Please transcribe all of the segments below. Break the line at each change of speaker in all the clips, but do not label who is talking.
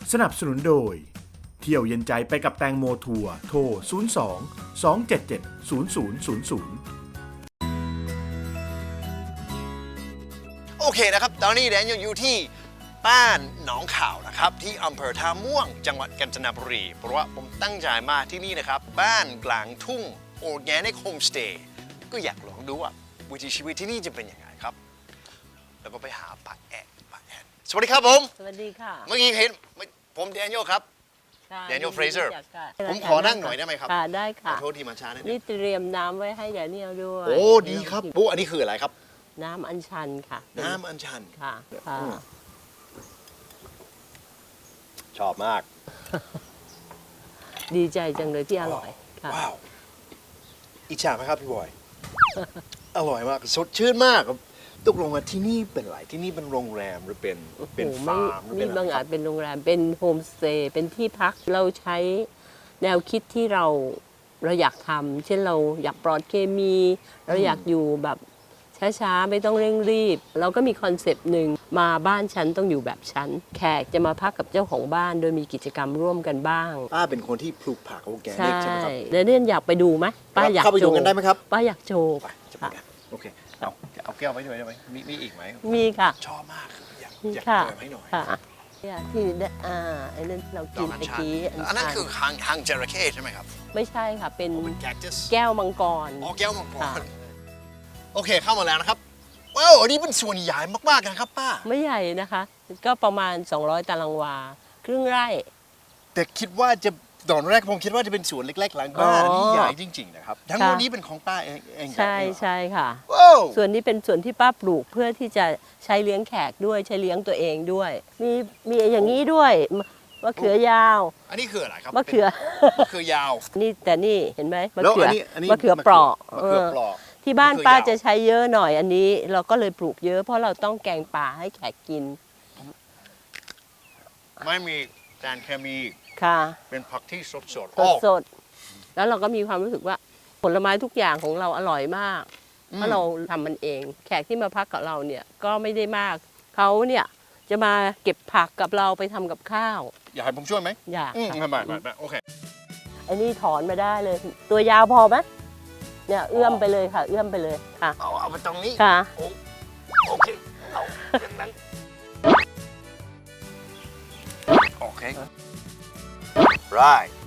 สนับสนุนโดยเที่ยวเย็นใจไปกับแตงโมทัวร์โทร 02-277-0000
โอเคนะครับตอนนี้แดนอยู่ที่บ้านหนองข่าวนะครับที่อำเภอท่าม่วงจังหวัดกาญจนบุรีเพราะว่าผมตั้งใจมาที่นี่นะครับบ้านกลางทุ่ง Organic Homestay ก็อยากลองดูว่าวิถีชีวิตที่นี่จะเป็นยังไงครับแล้วก็ไปหาป้าแอดสวัสดีครับผม
สวัสดีค่ะ
เมื่อกี้เห็นผมแดเนียลครับ Daniel Fraser ผมขอนั่งหน่อยได้ไหมครับ
ค่ะได้
ขอ
ค่ะ
โทษที่มาช้านิดนึ
นี่
ง
เตรียมน้ำไว้ให้แดเนียลด้วย
โอ้ดีครับปุ๊อันนี้คืออะไรครับ
น้ำอัญชันค่ะ
น้ำอัญชัน
ค่ะค่ะ
ชอบมาก
ดีใจจังเลยที่อร่อยค่ะ
ว้าวอิจฉาไหมครับพี่บอย อร่อยมากสดชื่นมากครับตกลงมาที่นี่เป็นอะไรที่นี่เป็นโรงแรมหรือเป็นฟาร์มหรือเป็น
นี่
อะไร
บาง
ค
อา
รั
จ
บ
เป็นโรงแรมเป็นโฮมสเตย์เป็นที่พักเราใช้แนวคิดที่เราอยากทำเช่นเราอยากปลอดเคมี เราอยากอยู่แบบช้าๆไม่ต้องเร่งรีบ เราก็มีคอนเซปต์หนึ่งมาบ้านฉันต้องอยู่แบบฉันแขกจะมาพักกับเจ้าของบ้านโดยมีกิจกรรมร่วมกันบ้าง
ป้าเป็นคนที่ปลูกผักออร์แกนิ
ใช่
กใช่ไหมครับ
เดนเนียลอยากไปดูไหมป้าอยาก
เข้าไปดูกันได้ไหมครับ
ป้าอยากโชว์
ไปจะไปกันโอเคเอาแก้วไว้ด้วยได้ไหมมีอีกไหม
มีค่ะ
ชอบมากอยาก
มี
อยาก
ค่ะ
เติมให้หน่อย
ค่ะเนี่ยที่ได้ไอ้นั่นเรา
ด
กิ
อก
น
อัญ
เมื่อ
ชัน
กี้
อันนั้นคือหางจระเข้ใช่ไหมครับ
ไม่ใช่ค่ะ เป็น
เป็นแคคตัส
แก้วมังกร
อ๋อแก้วมังก
ค่ะ
รโอเคเข้ามาแล้วนะครับว้าวอันนี้เป็นส่วนใหญ่มากๆนะครับป้า
ไม่ใหญ่นะคะ ก็ประมาณ 200 ตารางวา ครึ่งไร่
แต่คิดว่าจะตอนแรกผมคิดว่าจะเป็นสวนเล็กๆหลังบ้าน
อ๋อ
ที่ใหญ่จริงๆนะครับทั้งหมด
ค่ะ
นี้เป็นของป้าเอง
ใช่ใช่ค่ะ
ว้าว
ส่วนนี้เป็นส่วนที่ป้าปลูกเพื่อที่จะใช้เลี้ยงแขกด้วยใช้เลี้ยงตัวเองด้วย มีอย่างนี้ด้วยมะเขือยาว
อันนี้คืออะไรครับ
มะเขือ
มะเขือยาว
นี่แต่นี่เห็นไหมมะ
แล้ว
เขือ
อันนี้
มะเขือเปราะ
มะเขือเปราะ
ที่บ้าน
มะเขือยาว
ป้าจะใช้เยอะหน่อยอันนี้ เราก็เลยปลูกเยอะเพราะเราต้องแกงป่าให้แขกกิน
ไม่มีสารเคมี
ค่ะ
เป็นผักที่สด
สดๆแล้วเราก็มีความรู้สึกว่าผลไม้ทุกอย่างของเราอร่อยมาก เพราะเราทำมันเอง แขกที่มาพักกับเราเนี่ยก็ไม่ได้มาก เขาเนี่ยจะมาเก็บผักกับเราไปทำกับข้าว
อยากให้ผมช่วยไหม
อยากค่ะ
ไม่โอเค
ไอ้นี่ถอนมาได้เลย ตัวยาวพอไหมเนี่ยเอื้อมไปเลยค่ะ เอื้อมไปเลยค่ะ
เอาไปตรงนี้
ค่ะ
โอเคเอาอย่างนั้นโอเค right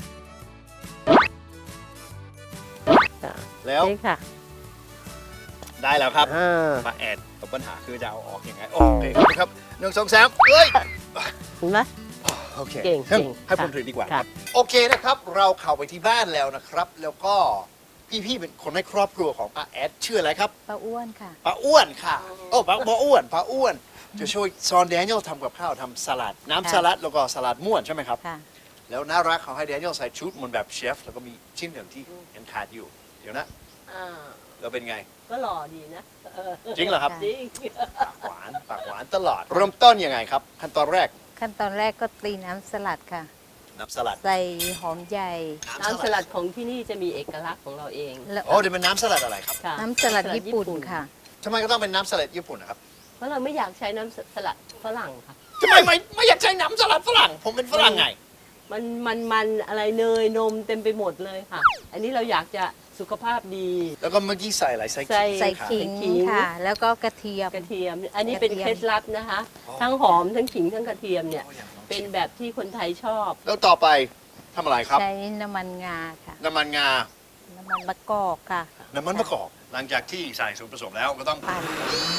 ค่ะ
แล้ว
นี่ค่ะ
ได้แล้วครับ
อ่า
มาแอดกับปัญหาคือจะเอาออกยังไงโอเคครับ1 2 3เฮ้ย
เห็นไหม
โอเค
เก่ง
ให้ผม
ค่ะ
ถือดีกว่า
ค่ะ
โอเคนะครับ เราเข้าไปที่บ้านแล้วนะครับ แล้วก็พี่เป็นคนในครอบครัวของป้าแอดชื่ออะไรครับ
ป้าอ้วนค่ะ
ป้าอ้วนค่ะโอ้ป้าอ้วนป้าอ้วนจะช่วยสอนแดเนียลทำกับข้าวทำสลัดน้ำ
ค่ะ
สลัดแล้วก็สลัดม่วนใช่ไหมครับ
ค่ะ
แล้วน่ารักเขาให้แดเนียลใส่ชุดเหมันแบบเชฟแล้วก็มีชิ้นหนึ่งที่ยังขาดอยู่เดี๋ยวนะ
อ่า
แล้วเป็นไง
ก็หล่อดีนะเออ
จริงเหรอครับ
จริง
ปากหวานตลอดเริ่มต้นยังไงครับขั้นตอนแรก
ขั้นตอนแรกก็ตีน้ำสลัดค่ะ
น้ำสลัด
ใส่หอมใหญ่
น้ำสลัดของที่นี่จะมีเอกลักษณ์ของเราเอง
แล้ว
โอ้เดี๋ยวเป็นน้ำสลัดอะไรครับ
ค่ะ
น้ำสลัดญี่ปุ่นค่ะ
ทำไมก็ต้องเป็นน้ำสลัดญี่ปุ่นนะครับ
เพราะเราไม่อยากใช้น้ำสลัดฝรั่งค่ะ
ทำไมไม่อยากใช้น้ำสลัดฝรั่งผมเป็นฝรั่งไง
มันอะไรเนยนมเต็มไปหมดเลยค่ะ อันนี้เราอยากจะสุขภาพดี
แล้วก็เมื่อกี้ใส่อะไรใส่
ใส่
ใส่
ค่ะ
ขิง
ขิง
ค่ะ แล้วก็กระเทียม
กระเทียม อันนี้เป็น
กระเทียม
เคล็ดลับนะคะ ทั้งหอมทั้งขิงทั้งกระเทียมเนี่ย เป็นแบบที่คนไทยชอบ
แล้วต่อไปทำอะไรครับ
ใช้น้ำมันงาค่ะ
น้ำมันงา
น้ำมันมะกอกค่ะ
น้ำมันมะกอกหลังจากที่ใส่ส่วนผสมแล้วก็ต้อง
ปั่น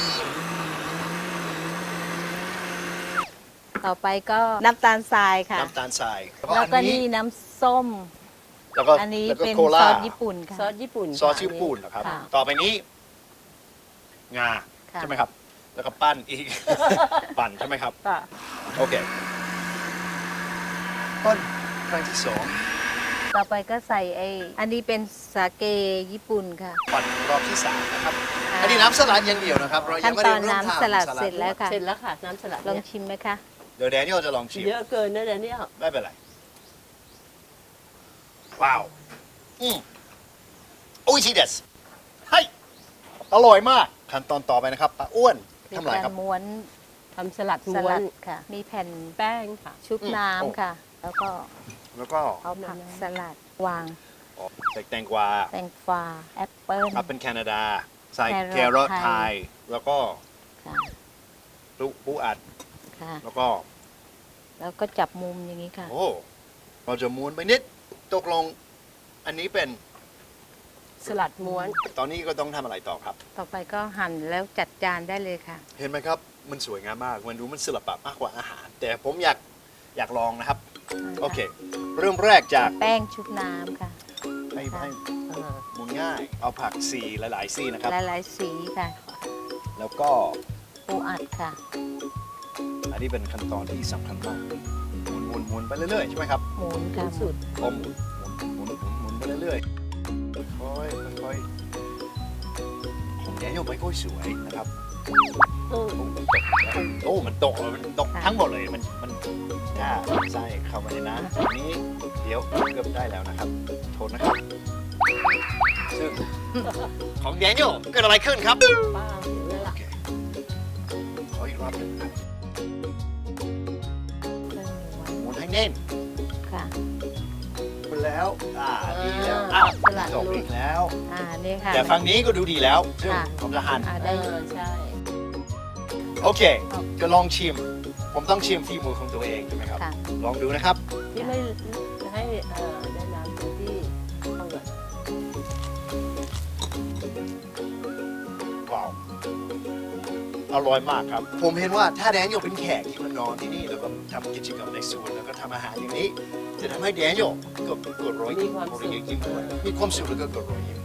ต่อไปก็น้ำตาลทรายค่ะ
น้ำตาลทราย
แล้วก็นี่น้ำส้ม
แล้วก็
อันนี้
แล้วก็
เป็น
โค
ซ
ลา
อสญี่ปุ่นค่ะ
ซอสญี่ปุ่น
ซอสญี่ปุ่นเหรอครับ
ค่ะ
ต่อไปนี้งา
ค่ะ
ใช่ไหมครับ แล้วก็ปั้นอีก ปั่นใช่ไหมครับ
ค่ะ
โอเคปั้นครั้งที่สอง
ต่อไปก็ใส่อันนี้เป็นสาเกญี่ปุ่นค่ะ
ปั่นรอบที่สามนะครับ
ค่ะ
อันนี้น้ำสลัดอย่างเดียวนะครับเรายั
ขั้
ง
น
ไม่
ต
ได้
อน
เริ่ม
น้ำ
ทำ
สลัดเสร็จแล้วค่ะ
เสร็จแล้วค่ะ น้ำสลัด
ลอง
เนี่ย
ชิมไหมคะ
เดี๋ยวแดเนียลจะลองชิม
เยอะเกินนะเดี๋ยวนี้
ไม่เป็นไรว้าวโอ้ยชีเดสให้อร่อยมากขั้นตอนต่อไปนะครับป้าอ้วน
เป็น
ทำอะไร
การ
ครับ
ม้วน
ทำสลัด
ส
ม้ว
ลั
น
ดค่ะ มีแผ่น
แป้งค่ะ
ชุบน้ำค่ะ แล้วก็
แล้วก็
เอาผักสลัดวาง
ใส่แตงกวา
แตงกวาแอปเปิ้ล
ครับเป็นแคนาดา ใส่
แค
แค
ร
ร
อ
อ
ท
ทไทย แล้วก็
ค่ะ
ปูอัด
ค่ะ
แล้วก็
แล้วก็จับมุมอย่างนี้ค่ะ
โอ้เราจะม้วนไปนิด ตกลง อันนี้เป็น
สลัดม้วน
ตอนนี้ก็ต้องทำอะไรต่อครับ
ต่อไปก็หั่นแล้วจัดจานได้เลยค่ะ
เห็นไหมครับ มันสวยงามมาก มันดูมันศิลปะมากกว่าอาหาร แต่ผมอยากลองนะครับ โอเค เริ่มแรกจาก
แป้งชุบน้ำค่ะ
ให้หมุนง่าย เอาผักสีหลายๆสีนะครับ
หลายๆสีค่ะ
แล้วก็
ปูอัดค่ะ
อันนี้เป็นขั้นตอนที่สำคัญมากหมุนไปเรื่อยๆใช่ไหมครับ
หมุนค่ะ
สุด
หมุนไปเรื่อยๆค่อยของแดเนียลไม่ค่อยสวยนะครับ
เออ
โอ้มันตกทั้งหมดเลยมันถ้าใส่เข้ามาในน้ำอันนี้เดี๋ยวเกือบได้แล้วนะครับ โทษนะครับ ซึ่งของแดเนียลเกิดอะไรขึ้นครับ
ป้าเห็นแล้ว
โอ
ล่ะ
เคขออีกรอบหนึงครับ
เครื่องม้วน
หมุนให้แน่น
ค่ะ
ไปแล้วดีแล้ว
สลัด
ตกอีกแล้ว
นี่ค่ะ
แต่ฝั่งนี้ก็ดูดีแล้วซึ่ง
ค่ะ
ผมจะหั่น
เอ
ได้
อใช่
โอเค ก็ลองชิม ผมต้องชิมฝีมือของตัวเองใช่ไหมครับ
ค่ะ
ลองดูนะครับ
ที่ไม่ให้ได้น้ำเต็มที่เอาก่อน
ว้าว อร่อยมากครับ ผมเห็นว่าถ้าแดเนียลเป็นแขกที่มานอนที่นี่แล้วก็ทำกิจกรรมในสวนแล้วก็ทำอาหารอย่างนี้ จะทำให้แดเนียลเกิดรอยยิ้มรอยยิ้มด้วยมีความสุขแล้วก็เกิดรอยยิ้ม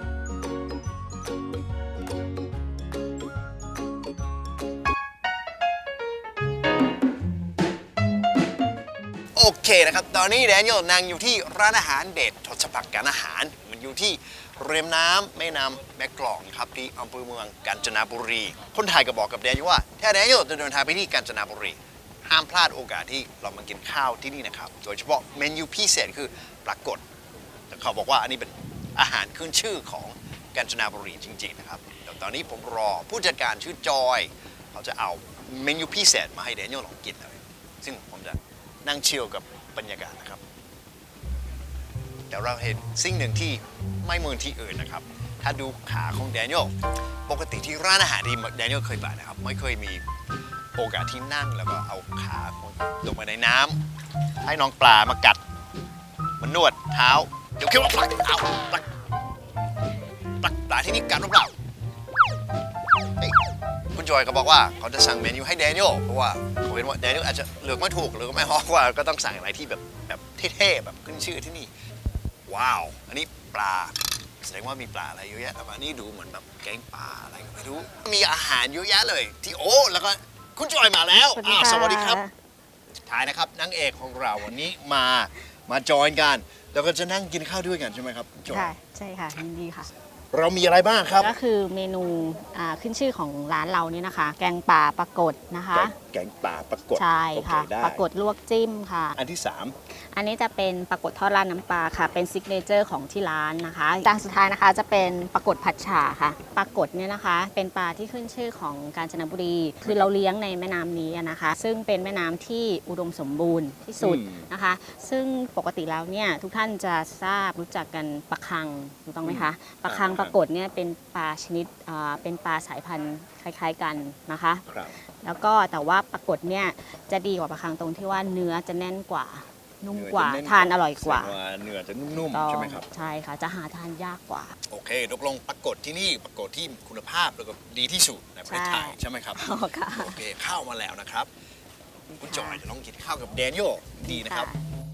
โอเคนะครับ ตอนนี้แดเนียลนั่งอยู่ที่ร้านอาหารเด็ดทศพักการอาหาร มันอยู่ที่ริมน้ำแม่น้ำแม่กลองครับที่อำเภอเมืองกาญจนบุรี คนไทยก็บอกกับแดเนียลว่าถ้าแดเนียลจะเดินทางไปที่กาญจนบุรี ห้ามพลาดโอกาสที่เรามากินข้าวที่นี่นะครับ โดยเฉพาะเมนูพิเศษคือปลากดแต่เขาบอกว่าอันนี้เป็นอาหารขึ้นชื่อของกาญจนบุรีจริงๆนะครับเดี๋ยวตอนนี้ผมรอผู้จัดการชื่อจอยเขาจะเอาเมนูพิเศษมาให้แดเนียลลองกินเลยซึ่งผมจะนั่งชิลกับบรรยากาศนะครับแต่เราเห็นสิ่งหนึ่งที่ไม่เหมือนที่อื่นนะครับ ถ้าดูขาของแดเนียลปกติที่ร้านอาหารที่แดเนียลเคยไปนะครับไม่เคยมีโอกาสที่นั่งแล้วก็เอาขาลงไปในน้ำให้น้องปลามากัดมันนวดเท้าเดี๋ยวคิดว่าปลักเอาปลักปลาที่นี่กัดหรือเปล่าเฮ้ยคุณจอยก็บอกว่าเขาจะสั่งเมนูให้แดเนียลเพราะว่าเขาเห็นว่าแดเนียลอาจจะเลือกไม่ถูกหรือไม่ฮอกว่าก็ต้องสั่งอะไรที่แบบเท่ๆแบบขึ้นชื่อที่นี่ว้าวอันนี้ปลาแสดงว่ามีปลาอะไรเยอะแยะแต่ว่านี่ดูเหมือนแบบแกงปลาอะไรก็ไม่รู้มีอาหารเยอะแยะเลยที่โอ้แล้วก็คุณจอยมาแล้วสวัสดีครับท้ายนะครับนางเอกของเราวันนี้มาจอยกันแล้วก็จะนั่งกินข้าวด้วยกันใช่ไหมครับจอย
ค่ะใช่ค่ะยินดีค่ะ
เรามีอะไรบ้างครับ
ก็คือเมนูขึ้นชื่อของร้านเราเนี่ยนะคะ แกงป่าปลากดนะคะ
แกงป่าปลากด
ใช่ค่ะ
โอเได้
ปลากดลวกจิ้มค่ะ
อันที่
อันนี้จะเป็นปลากดทอดราดน้ำปลาค่ะ เป็นซิกเนเจอร์ของที่ร้านนะคะจานสุดท้ายนะคะจะเป็นปลากดผัดฉ่าค่ะปลากดเนี่ยนะคะ เป็นปลาที่ขึ้นชื่อของกาญจนบุรี คือเราเลี้ยงในแม่น้ำนี้นะคะ ซึ่งเป็นแม่น้ำที่อุดมสมบูรณ์ที่สุดนะคะ ซึ่งปกติแล้วเนี่ยทุกท่านจะทราบรู้จักกันปลาคังถูกต้องไหมคะปลาคังปลากดเนี่ยเป็นปลาชนิดเป็นปลาสายพันธุ์คล้ายๆกันนะคะ
ครับ
แล้วก็แต่ว่าปลากดเนี่ยจะดีกว่าปลาคังตรงที่ว่าเนื้อจะแน่นกว่า นุ่มกว่า
เนื้อจะแน่น
ทานอร่อยกว่า
แสดงเนื้อจะนุ่ม
ต้
ๆ
อง
ใช่ไหมครับ
ใช่ค่ะจะหาทานยากกว่า
โอเคตกลงปรากฏที่นี่ปรากฏที่คุณภาพแล้วก็ดีที่สุดในประเทศไทย
ใช่
ใช่ไหมครับ
อ๋อค่ะ
โอเคข้าวมาแล้วนะครับคุณจอยจะต้องกินข้าวกับแดเนียลดีนะครับ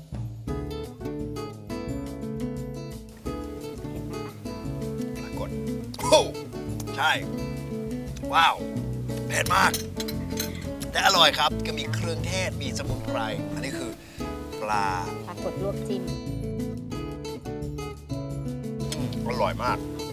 ปรากฏโอ้ใช่ว้าวเผ็ดมาก แต่อร่อยครับก็มีเครื่องเทศมีสมุนไพรอันนี้คือปลา
ปลากดลวกจิ้ม
อร่อยมาก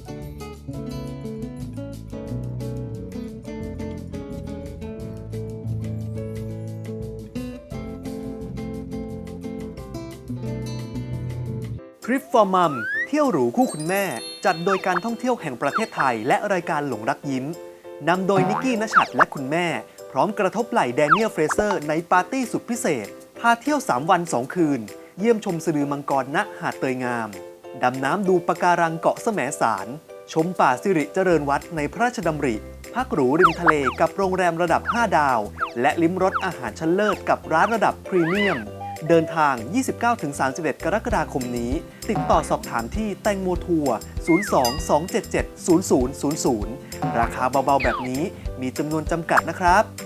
ทริป for Mum เที่ยวหรูคู่คุณแม่ จัดโดยการท่องเที่ยวแห่งประเทศไทยและรายการหลงรักยิ้มนำโดยนิกกี้ณชัดและคุณแม่ พร้อมกระทบไหล่แดเนียล เฟรเซอร์ในปาร์ตี้สุดพิเศษ พาเที่ยว 3 วัน 2 คืน เยี่ยมชมสะดือมังกรณหาดเตยงาม ดำน้ำดูปะการังเกาะแสมสาร ชมป่าสิริเจริญวัฒน์ในพระราชดำริ พักหรูริมทะเลกับโรงแรมระดับ 5 ดาว และลิ้มรสอาหารชั้นเลิศกับร้านระดับพรีเมียม เดินทาง 29-31 กรกฎาคมนี้ ติดต่อสอบถามที่แตงโมทัวร์ 02-277-0000 ราคาเบาๆแบบนี้มีจำนวนจำกัดนะครับ